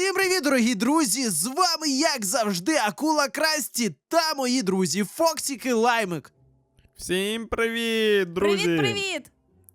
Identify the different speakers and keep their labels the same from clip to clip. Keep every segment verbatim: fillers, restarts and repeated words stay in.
Speaker 1: Всім привіт, дорогі друзі! З вами, як завжди, Акула Красті та мої друзі Фоксік і Лаймик.
Speaker 2: Всім привіт, друзі!
Speaker 3: Привіт-привіт!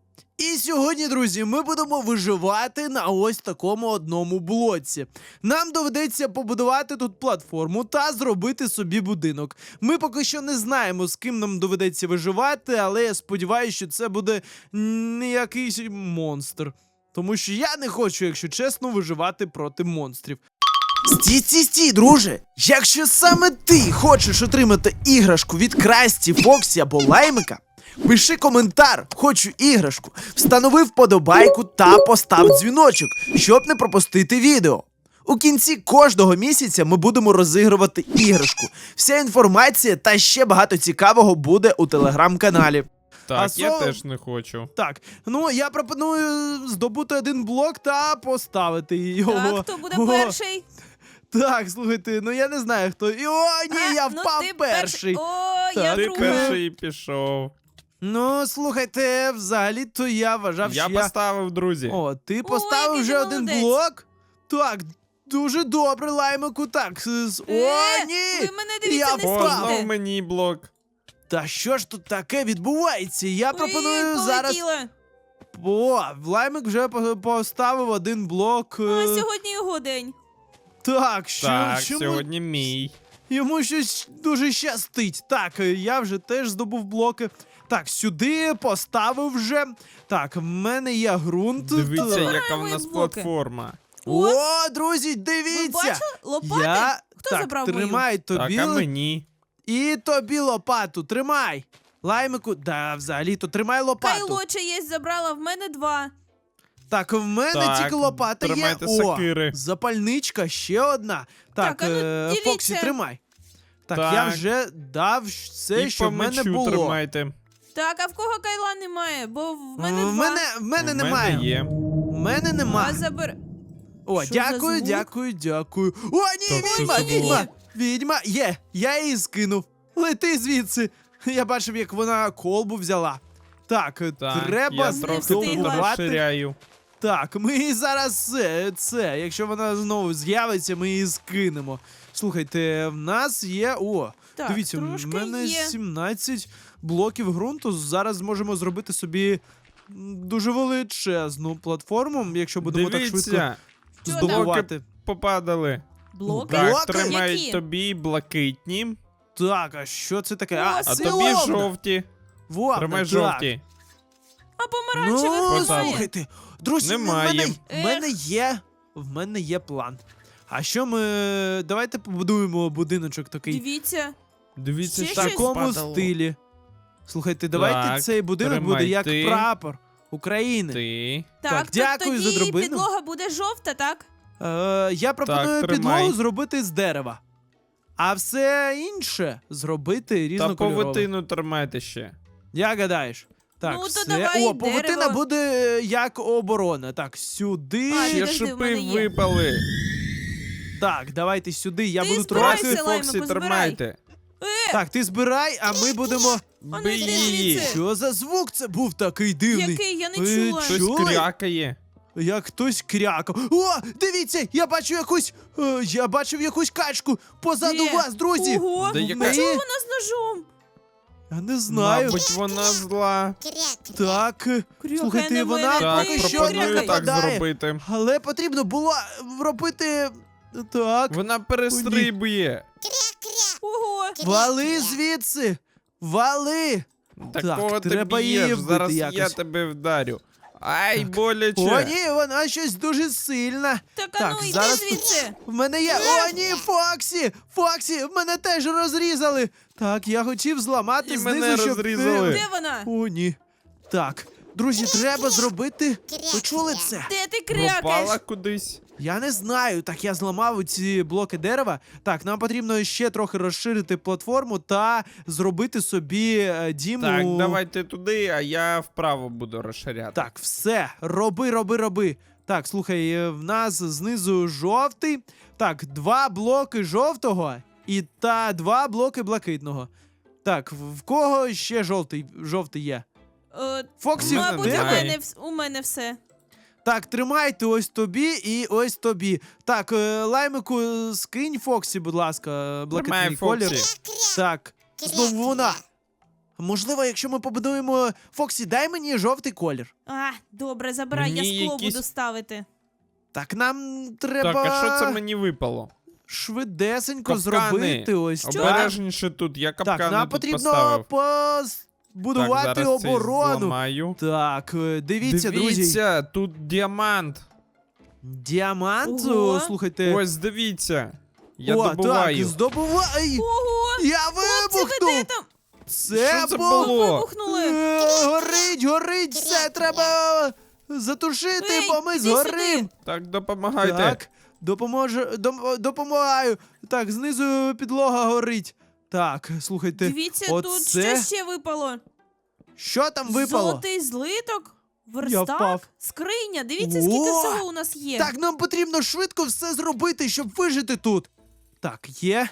Speaker 1: І сьогодні, друзі, ми будемо виживати на ось такому одному блоці. Нам доведеться побудувати тут платформу та зробити собі будинок. Ми поки що не знаємо, з ким нам доведеться виживати, але я сподіваюся, що це буде не якийсь монстр. Тому що я не хочу, якщо чесно, виживати проти монстрів. Стій, стій, стій, друже! Якщо саме ти хочеш отримати іграшку від Красті, Фоксі або Лаймика, пиши коментар «Хочу іграшку», встанови вподобайку та постав дзвіночок, щоб не пропустити відео. У кінці кожного місяця ми будемо розігрувати іграшку. Вся інформація та ще багато цікавого буде у телеграм-каналі.
Speaker 2: Так,
Speaker 1: А
Speaker 2: я
Speaker 1: со-
Speaker 2: теж не хочу.
Speaker 1: Так, ну я пропоную здобути один блок та поставити його.
Speaker 3: Так, хто буде
Speaker 1: О,
Speaker 3: перший?
Speaker 1: Так, слухайте, ну я не знаю хто. І, о, ні,
Speaker 3: А,
Speaker 1: я
Speaker 3: ну,
Speaker 1: впав
Speaker 3: ти
Speaker 1: перший.
Speaker 3: О,
Speaker 1: Так.
Speaker 3: я
Speaker 2: Ти
Speaker 3: друга.
Speaker 2: перший пішов.
Speaker 1: Ну, слухайте, взагалі-то я вважав,
Speaker 2: Я
Speaker 1: що я...
Speaker 2: поставив, друзі.
Speaker 1: О, ти поставив
Speaker 3: який
Speaker 1: вже
Speaker 3: ти
Speaker 1: один
Speaker 3: молодець.
Speaker 1: блок? Так, дуже добре, Лаймику, так. с- О,
Speaker 3: Е,
Speaker 1: ні!
Speaker 3: ви мене, дивіться,
Speaker 1: Я
Speaker 3: не
Speaker 1: впав.
Speaker 2: О,
Speaker 3: стійте.
Speaker 2: знов мені блок.
Speaker 1: Та що ж тут таке відбувається? Я
Speaker 3: Ой,
Speaker 1: пропоную зараз...
Speaker 3: полетіла.
Speaker 1: О, Лаймик вже по- поставив один блок.
Speaker 3: А
Speaker 1: е,
Speaker 3: сьогодні його день.
Speaker 1: Так, що,
Speaker 2: Так,
Speaker 1: чому
Speaker 2: сьогодні мій.
Speaker 1: йому щось дуже щастить. Так, е, я вже теж здобув блоки. Так, сюди поставив вже. Так, в мене є ґрунт.
Speaker 2: Дивіться,
Speaker 1: Так.
Speaker 2: яка в
Speaker 3: мої
Speaker 2: нас
Speaker 3: блоки.
Speaker 2: платформа.
Speaker 3: О,
Speaker 1: О, друзі,
Speaker 3: ви
Speaker 1: дивіться!
Speaker 3: бачили? Лопати?
Speaker 1: Я...
Speaker 3: Хто
Speaker 1: так,
Speaker 3: забрав мою?
Speaker 1: тримай
Speaker 2: Так,
Speaker 1: тобі.
Speaker 2: а мені.
Speaker 1: І тобі лопату, тримай. Лаймику, да, взагалі-то тримай лопату.
Speaker 3: Кайло чиєсь забрала, в мене два.
Speaker 1: Так, в мене
Speaker 2: Так,
Speaker 1: тільки лопата є.
Speaker 2: тримайте
Speaker 1: О,
Speaker 2: сокири.
Speaker 1: запальничка, ще одна. Так,
Speaker 3: Так, а ну,
Speaker 1: е,
Speaker 3: діліться.
Speaker 1: Фоксі, тримай. Так,
Speaker 2: Так.
Speaker 1: я вже дав все,
Speaker 2: І
Speaker 1: що
Speaker 2: по
Speaker 1: в мене
Speaker 2: мечу
Speaker 1: було.
Speaker 2: тримайте.
Speaker 3: Так, а в кого кайла немає? Бо в мене
Speaker 1: в
Speaker 3: два.
Speaker 1: мене, в мене
Speaker 2: В
Speaker 1: немає.
Speaker 2: мене є.
Speaker 1: В мене нема.
Speaker 3: А забер...
Speaker 1: О,
Speaker 3: Що за
Speaker 1: дякую,
Speaker 3: звук?
Speaker 1: дякую, дякую. О, ні,
Speaker 2: Так, що
Speaker 1: відьма,
Speaker 2: це було?
Speaker 1: відьма, відьма, є, я її скинув. Лети звідси. Я бачив, як вона колбу взяла. Так,
Speaker 2: Так,
Speaker 1: треба
Speaker 2: я
Speaker 3: Не
Speaker 2: трохи
Speaker 3: встигла.
Speaker 2: тут
Speaker 1: здобувати.
Speaker 2: розширяю.
Speaker 1: Так, ми її зараз це, це, якщо вона знову з'явиться, ми її скинемо. Слухайте, в нас є. О,
Speaker 3: Так,
Speaker 1: дивіться, в
Speaker 3: трошки
Speaker 1: мене
Speaker 3: є.
Speaker 1: сімнадцять блоків ґрунту. Зараз зможемо зробити собі м, дуже величезну платформу, якщо будемо так швидко
Speaker 2: Дивіться,
Speaker 3: Що там?
Speaker 1: здобувати.
Speaker 2: попадали.
Speaker 3: Блоки?
Speaker 2: Так,
Speaker 1: Блоки?
Speaker 2: тримають
Speaker 3: Які?
Speaker 2: тобі блакитні,
Speaker 1: Так, а що це таке?
Speaker 3: О,
Speaker 1: А,
Speaker 2: а
Speaker 1: це
Speaker 2: тобі
Speaker 1: вовна.
Speaker 2: жовті.
Speaker 1: Вовна,
Speaker 2: Тримай
Speaker 1: так.
Speaker 2: жовті.
Speaker 3: А помаранчевих
Speaker 1: Ну,
Speaker 3: немає.
Speaker 1: слухайте, друзі, в
Speaker 2: Немає.
Speaker 1: мене, в
Speaker 3: Ех.
Speaker 1: мене є, в мене є план. А що ми, давайте побудуємо будиночок такий
Speaker 3: Дивіться.
Speaker 2: Дивіться,
Speaker 3: Ще
Speaker 1: в
Speaker 2: що
Speaker 3: щось?
Speaker 1: такому
Speaker 2: падало.
Speaker 1: стилі. Слухайте, давайте
Speaker 2: Так,
Speaker 1: цей будинок
Speaker 2: тримай
Speaker 1: буде як
Speaker 2: ти.
Speaker 1: прапор України.
Speaker 2: Ти.
Speaker 1: Так,
Speaker 3: Так, то
Speaker 1: дякую за
Speaker 3: тоді
Speaker 1: драбину.
Speaker 3: підлога буде жовта, так?
Speaker 1: Е, я пропоную
Speaker 2: тримай.
Speaker 1: підлогу зробити з дерева. А все інше зробити
Speaker 2: Та
Speaker 1: різнокольорове.
Speaker 2: повитину тримайте ще.
Speaker 1: Як гадаєш? Так,
Speaker 3: Ну, то
Speaker 1: все.
Speaker 3: давай
Speaker 1: О, павутина
Speaker 3: дерево.
Speaker 1: буде е, як оборона. Так, сюди.
Speaker 3: А,
Speaker 2: Ще
Speaker 3: підожди, в
Speaker 2: шипи
Speaker 3: мене є.
Speaker 2: випали.
Speaker 1: Так, давайте сюди. Я
Speaker 3: Ти
Speaker 1: буду
Speaker 3: збирайся,
Speaker 1: трохи.
Speaker 3: Лаймику,
Speaker 2: Фоксі,
Speaker 3: збирай.
Speaker 2: тримайте.
Speaker 3: Е,
Speaker 1: Так, ти збирай, а ми будемо.
Speaker 3: ну
Speaker 2: Бий
Speaker 3: йди
Speaker 2: її.
Speaker 3: звідси.
Speaker 1: Що за звук це був такий дивний?
Speaker 3: який? Я не
Speaker 1: Ви
Speaker 3: чула.
Speaker 1: чу-
Speaker 2: Щось
Speaker 1: Чули?
Speaker 2: крякає.
Speaker 1: Як хтось крякав. О, дивіться, я бачу якусь. е, я бачив якусь качку позаду
Speaker 3: Де?
Speaker 1: вас, друзі.
Speaker 3: Ого,
Speaker 2: Да
Speaker 1: В
Speaker 2: яка-
Speaker 1: неї-
Speaker 3: чого вона з ножом?
Speaker 1: Я не знаю.
Speaker 2: Мабуть, вона зла.
Speaker 1: Так. е,
Speaker 3: Крякає
Speaker 1: Слухайте,
Speaker 3: на
Speaker 1: вона
Speaker 3: мене,
Speaker 2: Так,
Speaker 1: поки
Speaker 3: ти
Speaker 1: що
Speaker 2: пропоную
Speaker 1: не
Speaker 2: так
Speaker 1: нападає.
Speaker 2: зробити.
Speaker 1: Але потрібно було робити. Так.
Speaker 2: Вона перестрибує.
Speaker 3: Ого.
Speaker 1: Вали звідси! Вали!
Speaker 2: Такого
Speaker 1: Так,
Speaker 2: ти
Speaker 1: треба
Speaker 2: б'єш.
Speaker 1: її вбити
Speaker 2: Зараз я
Speaker 1: якось.
Speaker 2: тебе вдарю. Ай,
Speaker 1: Так.
Speaker 2: боляче.
Speaker 1: О, ні, вона щось дуже сильна.
Speaker 3: Так, а
Speaker 1: Так,
Speaker 3: ну йди
Speaker 1: зараз-
Speaker 3: звідси.
Speaker 1: В мене є. О, ні, Фоксі! Фоксі! В мене теж розрізали! Так, я хотів зламати
Speaker 2: І
Speaker 1: знизу,
Speaker 2: мене
Speaker 1: щоб.
Speaker 2: розрізали.
Speaker 3: Де вона?
Speaker 1: О, ні. Так, друзі, треба зробити. Ви чули це?
Speaker 3: Де ти
Speaker 2: Пропала
Speaker 3: крякаєш?
Speaker 2: кудись.
Speaker 1: Я не знаю. Так, я зламав ці блоки дерева. Так, нам потрібно ще трохи розширити платформу та зробити собі е, дім.
Speaker 2: Так,
Speaker 1: у-
Speaker 2: давайте туди, а я вправо буду розширяти.
Speaker 1: Так, все, роби, роби, роби. Так, слухай, е, в нас знизу жовтий. Так, два блоки жовтого і та два блоки блакитного. Так, в в кого ще жовтий, жовтий є?
Speaker 3: Е,
Speaker 1: Фоксі,
Speaker 2: У мене
Speaker 3: Мабуть, у
Speaker 1: в тебе?
Speaker 2: немає.
Speaker 3: мене, вс- у мене все.
Speaker 1: Так, тримайте ось тобі і ось тобі. Так, е, лаймику, е, скинь Фоксі, будь ласка, е, блакитний
Speaker 2: Тримай,
Speaker 1: колір.
Speaker 2: Фоксі.
Speaker 1: Так, знову вона. Можливо, якщо ми побудуємо... Фоксі, дай мені жовтий колір.
Speaker 3: А, добре, забирай,
Speaker 2: Мені
Speaker 3: я скло
Speaker 2: якісь-
Speaker 3: буду ставити.
Speaker 1: Так, нам треба
Speaker 2: Так, а що це мені випало?
Speaker 1: швидесенько
Speaker 2: Капкани.
Speaker 1: зробити ось так.
Speaker 2: Обережніше тут, я капкани
Speaker 1: Так, нам
Speaker 2: тут
Speaker 1: потрібно
Speaker 2: поставив.
Speaker 1: побудувати
Speaker 2: так, зараз цей
Speaker 1: оборону.
Speaker 2: зламаю.
Speaker 1: Так, е, дивіться, друзі.
Speaker 2: Дивіться, тут діамант.
Speaker 1: Діамант,
Speaker 3: Ого.
Speaker 1: о, слухайте.
Speaker 2: Ось, дивіться. Я
Speaker 1: О,
Speaker 2: добуваю.
Speaker 1: так, здобувай!
Speaker 3: Ого!
Speaker 1: Я
Speaker 3: Хлопці, ви де
Speaker 1: вибухнув!
Speaker 3: там?
Speaker 1: Це,
Speaker 2: Що це
Speaker 1: був...
Speaker 2: було?
Speaker 3: Вибухнули!
Speaker 1: Е, горить, горить, все, треба затушити,
Speaker 3: Ей,
Speaker 1: бо ми
Speaker 3: іди
Speaker 1: згорим.
Speaker 3: сюди.
Speaker 2: Так, допомагайте.
Speaker 1: Так, допоможе, дом- допомагаю. Так, знизу підлога горить. Так, слухайте,
Speaker 3: Дивіться, тут
Speaker 1: оце...
Speaker 3: що ще випало?
Speaker 1: Що там випало?
Speaker 3: Золотий злиток,
Speaker 1: Я
Speaker 3: верстак,
Speaker 1: впав.
Speaker 3: скриня. Дивіться, скільки
Speaker 1: О!
Speaker 3: всього у нас є.
Speaker 1: Так, нам потрібно швидко все зробити, щоб вижити тут. Так, є.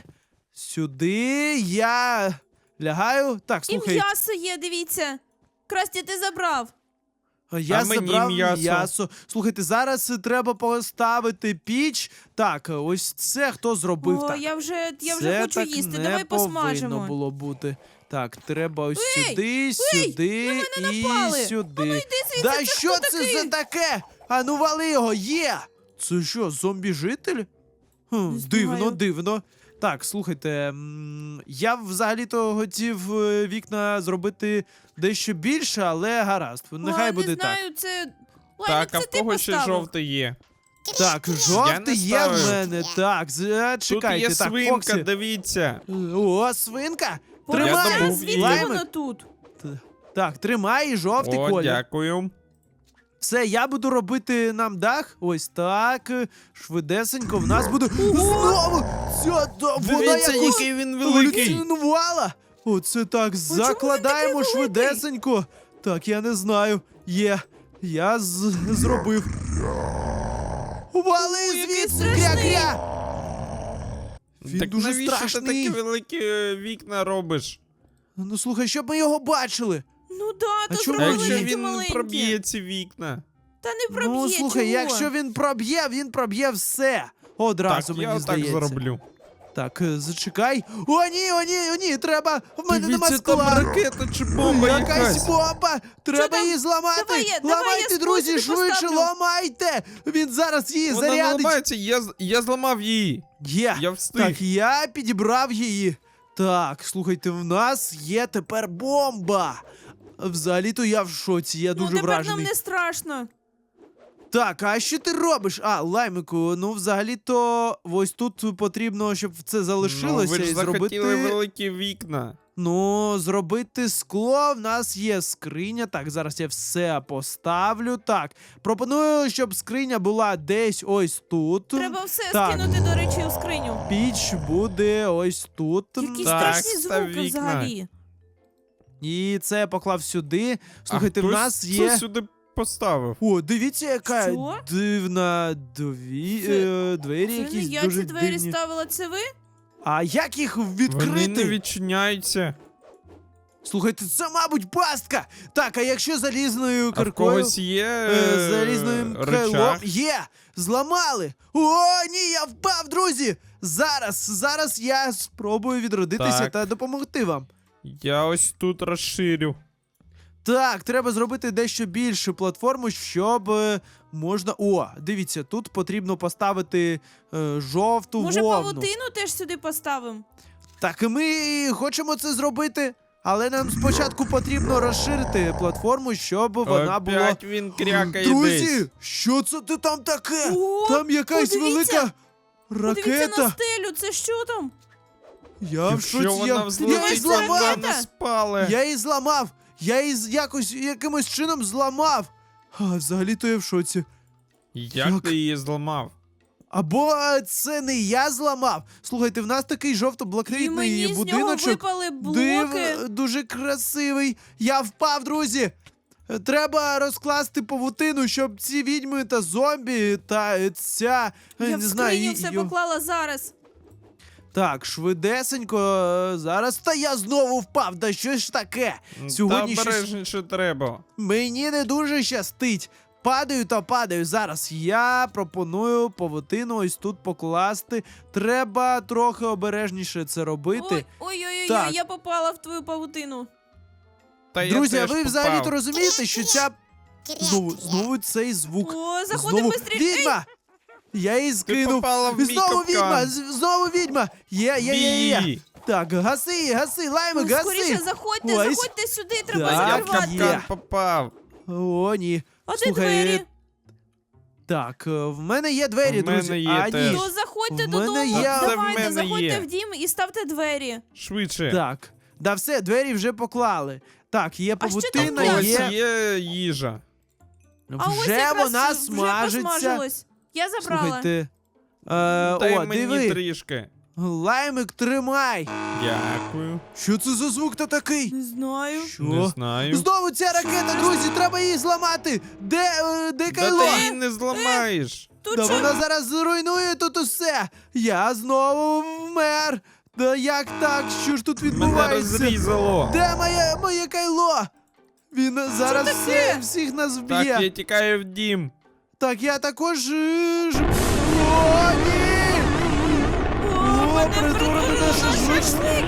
Speaker 1: Сюди я лягаю. Так,
Speaker 3: І
Speaker 1: слухай.
Speaker 3: м'ясо є, дивіться. Красті, ти забрав.
Speaker 1: А Я
Speaker 2: А мені
Speaker 1: забрав
Speaker 2: м'ясо.
Speaker 1: м'ясо. Слухайте, зараз треба поставити піч. Так, ось це хто зробив
Speaker 3: О,
Speaker 1: так.
Speaker 3: я вже, я
Speaker 1: Це
Speaker 3: вже хочу
Speaker 1: так
Speaker 3: їсти.
Speaker 1: не
Speaker 3: Давай
Speaker 1: повинно
Speaker 3: посмажемо.
Speaker 1: було бути. Так, треба ось
Speaker 3: Ей,
Speaker 1: сюди, сюди
Speaker 3: на мене
Speaker 1: і
Speaker 3: напали.
Speaker 1: сюди.
Speaker 3: Ану, йди звідси,
Speaker 1: Да
Speaker 3: це
Speaker 1: що
Speaker 3: хто
Speaker 1: це
Speaker 3: такий?
Speaker 1: за таке? А ну вали його, є! Це що, зомбі-житель? Хм,
Speaker 3: Не
Speaker 1: дивно,
Speaker 3: знаю.
Speaker 1: дивно. Так, слухайте, м, я взагалі-то хотів е, вікна зробити дещо більше, але гаразд. Нехай
Speaker 3: О,
Speaker 1: буде
Speaker 3: не
Speaker 1: так.
Speaker 3: знаю, це... Лаймик,
Speaker 2: Так, а
Speaker 3: це
Speaker 2: в
Speaker 3: ти
Speaker 2: кого ще
Speaker 3: поставив.
Speaker 2: жовтий є?
Speaker 1: Так,
Speaker 2: Я
Speaker 1: жовтий
Speaker 2: не
Speaker 1: є в
Speaker 2: ставив.
Speaker 1: мене. Так, з-
Speaker 2: Тут
Speaker 1: чекайте,
Speaker 2: є
Speaker 1: так,
Speaker 2: свинка,
Speaker 1: Фоксі.
Speaker 2: дивіться.
Speaker 1: О, свинка!
Speaker 2: Я
Speaker 1: Тримай!
Speaker 2: добув
Speaker 3: Звідки
Speaker 2: її.
Speaker 1: Лаймик.
Speaker 3: воно тут?
Speaker 1: Так, тримай і жовтий
Speaker 2: О,
Speaker 1: колір.
Speaker 2: дякую.
Speaker 1: Все, я буду робити нам дах. Ось так. Швидесенько в нас буде. Знову! Ця, да, вона
Speaker 2: Дивіться,
Speaker 1: якось
Speaker 2: який він великий.
Speaker 1: еволюціонувала. Оце так, закладаємо
Speaker 3: він такий великий?
Speaker 1: швидесенько. Так, я не знаю. Є. Я з- зробив. Вали
Speaker 3: Ой, який
Speaker 1: звідси,
Speaker 3: страшний.
Speaker 1: кря-кря! Він
Speaker 2: Так
Speaker 1: дуже
Speaker 2: навіщо
Speaker 1: страшний.
Speaker 2: ти такі великі е, вікна робиш?
Speaker 1: Ну слухай, щоб ми його бачили.
Speaker 3: Ну да,
Speaker 1: А
Speaker 3: то
Speaker 1: чому
Speaker 2: А
Speaker 3: зробили
Speaker 2: якщо
Speaker 3: великі
Speaker 2: він
Speaker 3: маленькі.
Speaker 2: проб'є ці вікна?
Speaker 3: Та не проб'є,
Speaker 1: Ну слухай,
Speaker 3: чого?
Speaker 1: якщо він проб'є, він проб'є все. Одразу
Speaker 2: Так,
Speaker 1: мені
Speaker 2: я так
Speaker 1: здається.
Speaker 2: зроблю.
Speaker 1: Так, е, зачекай. О, ні, о, ні, о, ні, треба. В мене нема
Speaker 2: Дивіться, там
Speaker 1: скла.
Speaker 2: ракета чи бомба
Speaker 1: Якась
Speaker 2: якась.
Speaker 1: бомба! Треба
Speaker 3: там?
Speaker 1: її зламати!
Speaker 3: Давай я- давай
Speaker 1: ламайте,
Speaker 3: я
Speaker 1: друзі,
Speaker 3: способи
Speaker 1: швидше
Speaker 3: поставлю.
Speaker 1: ламайте! Він зараз її
Speaker 2: Вона
Speaker 1: зарядить.
Speaker 2: ламається, я, з- я зламав її.
Speaker 1: Є.
Speaker 2: Я встиг.
Speaker 1: Так, я підібрав її. Так, слухайте, в нас є тепер бомба. Взагалі-то я в шоці, я
Speaker 3: Ну
Speaker 1: дуже
Speaker 3: тепер
Speaker 1: вражений.
Speaker 3: нам не страшно.
Speaker 1: Так, а що ти робиш? А, лаймику, ну взагалі-то ось тут потрібно, щоб це залишилося
Speaker 2: Ну, ви ж
Speaker 1: і
Speaker 2: захотіли
Speaker 1: зробити.
Speaker 2: великі вікна.
Speaker 1: Ну, зробити скло. В нас є скриня. Так, зараз я все поставлю. Так, пропоную, щоб скриня була десь ось тут.
Speaker 3: Треба все
Speaker 1: Так.
Speaker 3: скинути, до речі, у скриню.
Speaker 1: Піч буде ось тут.
Speaker 3: Якісь
Speaker 2: Так,
Speaker 3: страшні
Speaker 2: став
Speaker 3: звуки
Speaker 2: вікна.
Speaker 3: взагалі.
Speaker 1: І це я поклав сюди. Слухайте,
Speaker 2: а
Speaker 1: в
Speaker 2: хтось
Speaker 1: нас
Speaker 2: це
Speaker 1: є.
Speaker 2: сюди поставив.
Speaker 1: О, дивіться, яка
Speaker 3: Що?
Speaker 1: дивна дві...
Speaker 3: Це-
Speaker 1: е, двері
Speaker 3: Це не
Speaker 1: якісь
Speaker 3: я
Speaker 1: дуже
Speaker 3: ці двері
Speaker 1: дивні.
Speaker 3: ставила, це ви?
Speaker 1: А як їх
Speaker 2: Вони
Speaker 1: відкрити?
Speaker 2: не відчиняються.
Speaker 1: Слухайте, це, мабуть, пастка. Так, а якщо залізною
Speaker 2: А в
Speaker 1: киркою...
Speaker 2: когось є
Speaker 1: Е,
Speaker 2: е,
Speaker 1: залізним крилом.
Speaker 2: рычаг.
Speaker 1: Є! Зламали! О, ні, я впав, друзі! Зараз, зараз я спробую відродитися
Speaker 2: Так.
Speaker 1: та допомогти вам.
Speaker 2: Я ось тут розширю.
Speaker 1: Так, треба зробити дещо більшу платформу, щоб е, можна. О, дивіться, тут потрібно поставити е, жовту
Speaker 3: Може,
Speaker 1: вовну.
Speaker 3: павутину теж сюди поставимо?
Speaker 1: Так, і ми хочемо це зробити, але нам спочатку потрібно розширити платформу, щоб вона була.
Speaker 2: Опять він крякає
Speaker 1: Друзі,
Speaker 2: десь.
Speaker 1: що це ти там таке?
Speaker 3: О,
Speaker 1: Там якась
Speaker 3: подивіться!
Speaker 1: велика
Speaker 3: Подивіться на
Speaker 1: ракета.
Speaker 3: стелю, це що там?
Speaker 1: Я в
Speaker 2: Якщо
Speaker 1: шоці,
Speaker 2: вона
Speaker 1: я, я її
Speaker 2: взлетить,
Speaker 1: зламав.
Speaker 2: вона не спале.
Speaker 1: Я її зламав. Я її з- якось якимось чином зламав. А, взагалі-то я в шоці.
Speaker 2: Як
Speaker 1: Як?
Speaker 2: ти її зламав?
Speaker 1: Або е, це не я зламав. Слухайте, в нас такий
Speaker 3: І
Speaker 1: жовто-блакитний
Speaker 3: мені з нього
Speaker 1: будиночок.
Speaker 3: випали блоки.
Speaker 1: Див, дуже красивий. Я впав, друзі. Е, Треба розкласти павутину, щоб ці відьми та зомбі та е, ця. е,
Speaker 3: Я
Speaker 1: не
Speaker 3: в
Speaker 1: знаю,
Speaker 3: скриню
Speaker 1: і-
Speaker 3: все
Speaker 1: йо-
Speaker 3: поклала зараз.
Speaker 1: Так, швидесенько. е, Зараз. Та я знову впав. Та що ж таке? Сьогодні
Speaker 2: Та
Speaker 1: щось
Speaker 2: обережніше треба.
Speaker 1: мені не дуже щастить. падаю та падаю. Зараз я пропоную павутину ось тут покласти. Треба трохи обережніше це робити.
Speaker 3: Ой, ой, ой,
Speaker 1: Так.
Speaker 3: ой, я попала в твою павутину.
Speaker 2: Та я
Speaker 1: Друзі, а
Speaker 2: теж
Speaker 1: ви
Speaker 2: попав.
Speaker 1: взагалі-то розумієте, що ця... Знову, знову цей звук.
Speaker 3: О, заходимо
Speaker 1: Знову
Speaker 3: быстрее.
Speaker 1: відьма! Я її
Speaker 2: Ти
Speaker 1: скинув.
Speaker 2: попала в мій
Speaker 1: Знову
Speaker 2: капкан.
Speaker 1: відьма! з- Знову відьма! Є, є, є, є.
Speaker 2: Бій!
Speaker 1: Так, гаси її, гаси, лаймик,
Speaker 3: Ну, скоріше
Speaker 1: гаси!
Speaker 3: заходьте,
Speaker 1: Ось.
Speaker 3: заходьте сюди, треба
Speaker 1: Так,
Speaker 2: Я в
Speaker 3: закривати.
Speaker 1: є.
Speaker 2: капкан попав.
Speaker 1: О, ні.
Speaker 3: А де
Speaker 1: Слухай,
Speaker 3: двері?
Speaker 1: Так, е, в мене є двері,
Speaker 2: В мене
Speaker 1: друзі.
Speaker 2: є
Speaker 1: а,
Speaker 2: теж.
Speaker 1: ні.
Speaker 3: То заходьте
Speaker 1: В мене
Speaker 3: додому,
Speaker 1: є-
Speaker 2: Та це в
Speaker 3: давайте,
Speaker 2: мене
Speaker 3: заходьте
Speaker 2: є.
Speaker 3: в дім і ставте двері.
Speaker 2: Швидше.
Speaker 1: Так. Да все, двері вже поклали. Так, є
Speaker 3: А що там
Speaker 1: павутина,
Speaker 3: м'ясо?
Speaker 2: Ось
Speaker 1: є...
Speaker 2: є їжа.
Speaker 3: А ось
Speaker 1: Вже
Speaker 3: якраз
Speaker 1: вона
Speaker 3: вже
Speaker 1: смажиться.
Speaker 3: посмажилось. Я забрала.
Speaker 1: Слухайте. Е,
Speaker 2: Дай
Speaker 1: о,
Speaker 2: мені
Speaker 1: диви.
Speaker 2: трішки.
Speaker 1: Лаймик, тримай.
Speaker 2: Дякую.
Speaker 1: Що це за звук-то такий?
Speaker 3: Не знаю.
Speaker 1: Що?
Speaker 2: Не знаю.
Speaker 1: Знову ця ракета, друзі, треба її зламати. Де, е, де
Speaker 2: Та
Speaker 1: Кайло?
Speaker 2: ти її не зламаєш.
Speaker 3: Тут
Speaker 1: Да
Speaker 3: що?
Speaker 1: вона зараз зруйнує тут усе. Я знову вмер. Да як так? Що ж тут
Speaker 2: Мене
Speaker 1: відбувається?
Speaker 2: розрізало.
Speaker 1: Де моє, моє Кайло? Він зараз
Speaker 3: таке?
Speaker 1: все, всіх нас
Speaker 2: Так,
Speaker 1: вб'є.
Speaker 2: я тікаю в дім.
Speaker 1: Так, я також. е, ж- О, ні!
Speaker 3: О, мене
Speaker 1: притворили
Speaker 3: притворили
Speaker 1: на
Speaker 3: на
Speaker 1: шашлик.
Speaker 3: шашлик.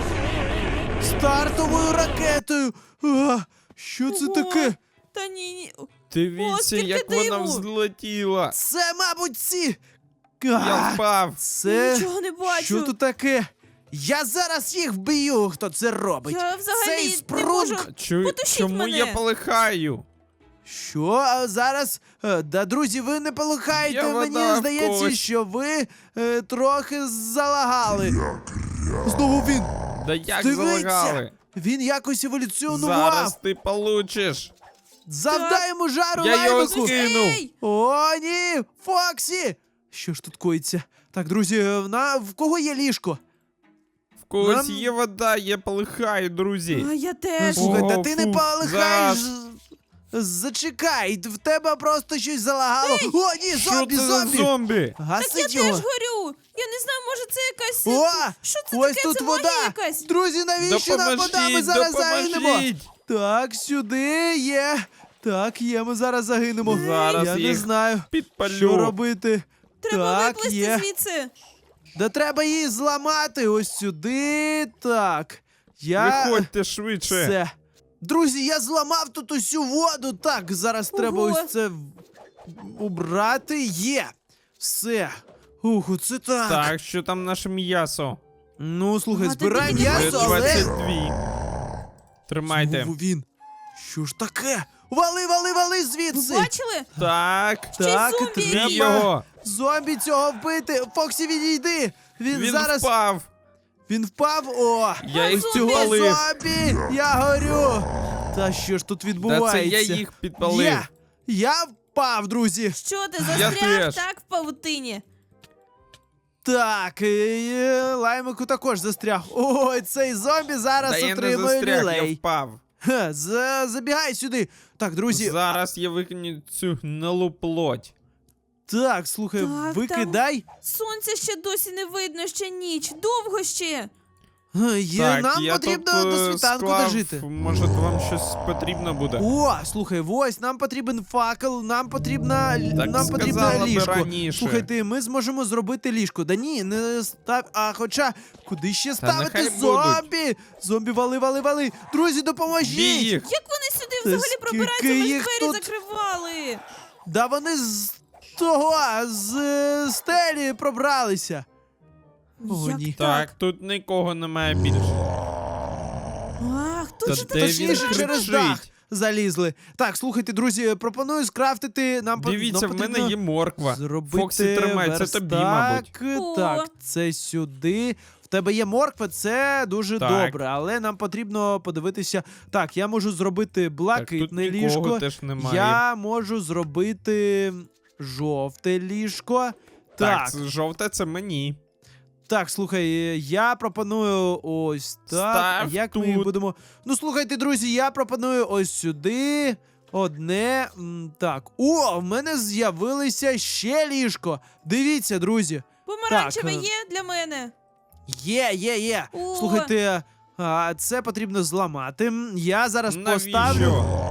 Speaker 1: Стартовою ракетою. А, що це
Speaker 3: Ого.
Speaker 1: таке?
Speaker 3: Та ні, ні.
Speaker 2: Дивіться,
Speaker 3: скільки
Speaker 2: як вона
Speaker 3: диму.
Speaker 2: взлетіла.
Speaker 1: Це, мабуть, ці.
Speaker 2: Я
Speaker 1: А,
Speaker 2: впав.
Speaker 1: Це.
Speaker 3: Нічого не бачу.
Speaker 1: Що тут таке? Я зараз їх вб'ю, хто це робить.
Speaker 3: Я взагалі
Speaker 1: Цей
Speaker 3: не
Speaker 1: спрунг.
Speaker 3: можу.
Speaker 2: Чу...
Speaker 3: Потушіть
Speaker 2: Чому
Speaker 3: мене.
Speaker 2: я полихаю?
Speaker 1: Що а зараз? Е, Да, друзі, ви не полихаєте.
Speaker 2: Я
Speaker 1: Мені
Speaker 2: вода в
Speaker 1: здається,
Speaker 2: когось.
Speaker 1: що ви е, трохи залагали. Знову він.
Speaker 2: Да як
Speaker 1: Дивіться,
Speaker 2: залагали?
Speaker 1: Він якось еволюціонував.
Speaker 2: Зараз ти получиш.
Speaker 1: Завдай йому жару,
Speaker 2: Я його
Speaker 1: лаймику.
Speaker 2: скинув.
Speaker 3: Ей!
Speaker 1: О, ні! Фоксі! Що ж тут коїться? Так, друзі, в, на... в кого є ліжко?
Speaker 2: В когось
Speaker 1: Нам-
Speaker 2: є вода, я полихаю, друзі.
Speaker 3: А я теж.
Speaker 2: Ого,
Speaker 1: Слухай, та ти не
Speaker 2: фу,
Speaker 1: полихаєш.
Speaker 2: зараз.
Speaker 1: Зачекай, в тебе просто щось залагало. О, ні,
Speaker 2: Що
Speaker 1: зомбі,
Speaker 2: це за
Speaker 1: зомбі!
Speaker 2: зомбі?
Speaker 3: Так я
Speaker 1: Гасить
Speaker 3: теж
Speaker 1: його.
Speaker 3: горю. Я не знаю, може це якась.
Speaker 1: О,
Speaker 3: Що це
Speaker 1: ось
Speaker 3: таке?
Speaker 1: тут
Speaker 3: Це
Speaker 1: вода.
Speaker 3: магія якась.
Speaker 1: Друзі, навіщо нам вода? Ми
Speaker 2: Допоможіть,
Speaker 1: зараз загинемо.
Speaker 2: допоможіть.
Speaker 1: Так, сюди є. Так, є, ми зараз загинемо.
Speaker 2: Зараз
Speaker 1: Я не
Speaker 2: їх
Speaker 1: знаю,
Speaker 2: Підпалю.
Speaker 1: що робити.
Speaker 3: Треба
Speaker 1: так,
Speaker 3: виплисти
Speaker 1: є.
Speaker 3: звідси.
Speaker 1: Да треба її зламати ось сюди. Так. Я.
Speaker 2: Виходьте швидше.
Speaker 1: Все. Друзі, я зламав тут усю воду. Так, зараз треба
Speaker 3: Ого.
Speaker 1: ось це в- убрати. Є. Все. Ух, це так.
Speaker 2: Так, що там наше м'ясо?
Speaker 1: Ну, слухай,
Speaker 3: А, ти
Speaker 1: збирай
Speaker 3: тільки
Speaker 1: м'ясо,
Speaker 3: М'ясо,
Speaker 1: але.
Speaker 2: двадцять два. Тримайте.
Speaker 1: Знову він. Що ж таке? Вали, вали, вали
Speaker 3: Ви
Speaker 1: звідси.
Speaker 3: бачили?
Speaker 2: Так.
Speaker 1: Так,
Speaker 3: зомбі.
Speaker 2: Бій
Speaker 1: треба
Speaker 2: його.
Speaker 1: зомбі цього вбити. Фоксі, відійди. Він,
Speaker 2: Він
Speaker 1: зараз.
Speaker 2: впав.
Speaker 1: Він впав. О!
Speaker 2: Я
Speaker 3: А,
Speaker 2: їх
Speaker 3: зомбі.
Speaker 1: Цього
Speaker 2: підпалив.
Speaker 1: зомбі! Я горю! Та що ж тут
Speaker 2: Та
Speaker 1: відбувається?
Speaker 2: це я їх підпалив.
Speaker 1: Я, я впав, друзі.
Speaker 3: Що ти
Speaker 2: Я
Speaker 3: застряг
Speaker 2: теж.
Speaker 3: так в павутині?
Speaker 1: Так, і, е, лаймику також застряг. Ой, цей зомбі зараз
Speaker 2: Та я не
Speaker 1: отримує
Speaker 2: застряг, я
Speaker 1: люлей.
Speaker 2: впав.
Speaker 1: Ха, за, забігай сюди. Так, друзі.
Speaker 2: Зараз я викину цю гнилу плоть.
Speaker 1: Так, слухай,
Speaker 3: Так,
Speaker 1: викидай.
Speaker 3: Сонця ще досі не видно, ще ніч. Довго ще.
Speaker 1: Га, Є,
Speaker 2: Так,
Speaker 1: нам
Speaker 2: я
Speaker 1: потрібно
Speaker 2: тут,
Speaker 1: до
Speaker 2: е,
Speaker 1: світанку
Speaker 2: склав,
Speaker 1: дожити.
Speaker 2: Може, вам щось потрібно буде.
Speaker 1: О, слухай, ось нам потрібен факел, нам потрібна
Speaker 2: Так
Speaker 1: нам потрібно
Speaker 2: сказала би
Speaker 1: ліжко.
Speaker 2: раніше.
Speaker 1: Слухайте, ми зможемо зробити ліжко. Да ні, не став. А хоча, куди ще ставити
Speaker 2: нехай
Speaker 1: зомбі? Зомбі, вали, вали, вали. Друзі, допоможіть!
Speaker 2: Бій їх.
Speaker 3: Як вони сюди
Speaker 1: Та
Speaker 3: взагалі пробираються?
Speaker 1: скільки
Speaker 3: Ми ж
Speaker 1: їх
Speaker 3: двері
Speaker 1: тут?
Speaker 3: закривали.
Speaker 1: Да вони з того, з е, стелі пробралися. О,
Speaker 3: Як
Speaker 1: ні.
Speaker 2: Так, тут нікого немає більше.
Speaker 3: Ах,
Speaker 2: Та
Speaker 3: тут же
Speaker 2: де
Speaker 3: так
Speaker 2: він
Speaker 1: Точніше,
Speaker 3: страшно.
Speaker 1: через
Speaker 2: кричить?
Speaker 1: дах залізли. Так, слухайте, друзі, пропоную скрафтити нам по-
Speaker 2: Дивіться,
Speaker 1: нам
Speaker 2: в мене
Speaker 1: потрібно
Speaker 2: є морква.
Speaker 1: Зробити
Speaker 2: Фоксі, тримай, це тобі,
Speaker 1: верстак.
Speaker 2: мабуть.
Speaker 3: О.
Speaker 1: Так, це сюди. В тебе є морква, це дуже
Speaker 2: Так.
Speaker 1: добре, але нам потрібно подивитися. Так, я можу зробити
Speaker 2: Так, тут
Speaker 1: блакитне
Speaker 2: нікого
Speaker 1: ліжко.
Speaker 2: теж немає.
Speaker 1: Я можу зробити жовте ліжко.
Speaker 2: Так,
Speaker 1: Так,
Speaker 2: це жовте це мені.
Speaker 1: так, слухай, я пропоную ось так. А
Speaker 2: Став
Speaker 1: як ми їх
Speaker 2: тут.
Speaker 1: будемо. Ну, слухайте, друзі, я пропоную ось сюди. Одне. М, Так. О, в мене з'явилося ще ліжко. Дивіться, друзі.
Speaker 3: Помаранчеве
Speaker 1: Так, е,
Speaker 3: є для мене.
Speaker 1: Є, є, є.
Speaker 3: О.
Speaker 1: Слухайте, а, це потрібно зламати. М, Я зараз
Speaker 2: Навіщо?
Speaker 1: поставлю.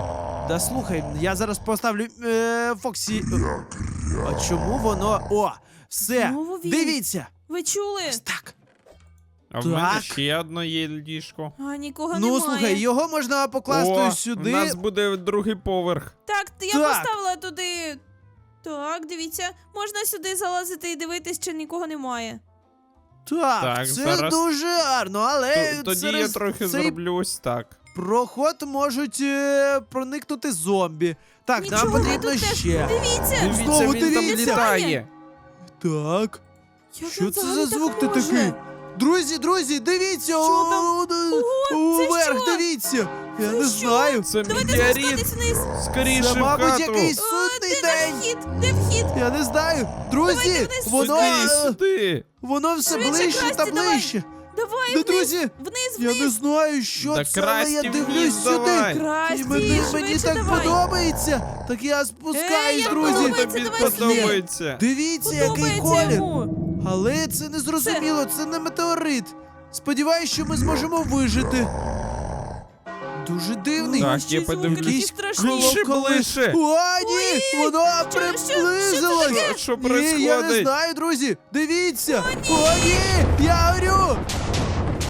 Speaker 1: Да слухай, я зараз поставлю е, Фоксі. А чому воно. О, все.
Speaker 3: Знову він.
Speaker 1: Дивіться.
Speaker 3: Ви чули?
Speaker 1: Ось так.
Speaker 2: А в мене
Speaker 1: Так.
Speaker 2: ще одно є ліжко.
Speaker 3: А, нікого
Speaker 1: Ну,
Speaker 3: немає.
Speaker 1: слухай, його можна покласти
Speaker 2: О,
Speaker 1: сюди.
Speaker 2: у нас буде другий поверх.
Speaker 3: Так, я
Speaker 1: Так.
Speaker 3: поставила туди. Так, дивіться, можна сюди залазити і дивитись, чи нікого немає.
Speaker 1: Так,
Speaker 2: Так,
Speaker 1: це
Speaker 2: зараз-
Speaker 1: дуже гарно, але
Speaker 2: Т- Тоді
Speaker 1: через
Speaker 2: я трохи
Speaker 1: цей
Speaker 2: зроблю ось так.
Speaker 1: проход можуть е, проникнути зомбі. Так,
Speaker 3: Нічого,
Speaker 1: нам
Speaker 3: ви
Speaker 1: потрібно
Speaker 3: тут теж-
Speaker 1: ще.
Speaker 3: Дивіться!
Speaker 2: Дивіться,
Speaker 1: Знову
Speaker 2: він там
Speaker 1: дивіться.
Speaker 2: літає.
Speaker 1: Так.
Speaker 3: Як
Speaker 1: Що
Speaker 3: він
Speaker 1: це
Speaker 3: взагалі
Speaker 1: за звук
Speaker 3: так
Speaker 1: ти
Speaker 3: може?
Speaker 1: такий? Друзі, друзі, дивіться!
Speaker 3: Що там?
Speaker 1: о,
Speaker 3: Ого, це
Speaker 1: Уверх,
Speaker 3: що?
Speaker 1: дивіться! Я
Speaker 3: Це
Speaker 1: не
Speaker 3: що?
Speaker 1: знаю.
Speaker 2: Це
Speaker 3: Давайте
Speaker 2: метеорит.
Speaker 3: спускатись вниз.
Speaker 2: Скоріше
Speaker 1: Це,
Speaker 2: в
Speaker 1: мабуть,
Speaker 2: хату.
Speaker 1: якийсь
Speaker 3: О,
Speaker 1: судний
Speaker 3: де
Speaker 1: день.
Speaker 3: вхід? Де вхід?
Speaker 1: Я не знаю. Друзі,
Speaker 3: Давайте вниз,
Speaker 1: воно,
Speaker 2: Сюди,
Speaker 1: е,
Speaker 2: сюди.
Speaker 1: воно все
Speaker 3: Швидше,
Speaker 1: ближче та
Speaker 3: Красті, давай.
Speaker 1: ближче.
Speaker 3: Давай
Speaker 1: Ну,
Speaker 3: вниз,
Speaker 1: друзі,
Speaker 3: вниз,
Speaker 1: Я не
Speaker 3: вниз.
Speaker 1: знаю, що
Speaker 2: Да
Speaker 1: це, але я
Speaker 2: Красті
Speaker 1: дивлюсь
Speaker 2: вниз
Speaker 1: сюди.
Speaker 2: давай.
Speaker 1: І
Speaker 3: Красті,
Speaker 1: мені, мені
Speaker 3: швидше
Speaker 1: так
Speaker 3: давай.
Speaker 1: подобається. Так я спускаюсь,
Speaker 3: як
Speaker 1: друзі.
Speaker 3: подобається,
Speaker 2: Тобі
Speaker 3: давай сюди.
Speaker 2: подобається.
Speaker 1: Дивіться, який
Speaker 3: Подобається
Speaker 1: колір.
Speaker 3: йому.
Speaker 1: Але це не зрозуміло, це не метеорит. Сподіваюсь, що ми зможемо вижити. Дуже дивний.
Speaker 2: Так,
Speaker 3: Ще
Speaker 2: я
Speaker 3: звуки
Speaker 2: подивлюсь.
Speaker 3: такі страшні.
Speaker 2: Ближче,
Speaker 1: Коли-
Speaker 2: ближче.
Speaker 1: О, ні! Воно
Speaker 3: що- що
Speaker 1: приблизилось!
Speaker 2: Що, що
Speaker 1: Ні, я не
Speaker 2: происходить?
Speaker 1: знаю, друзі! Дивіться! О, ні! Я горю!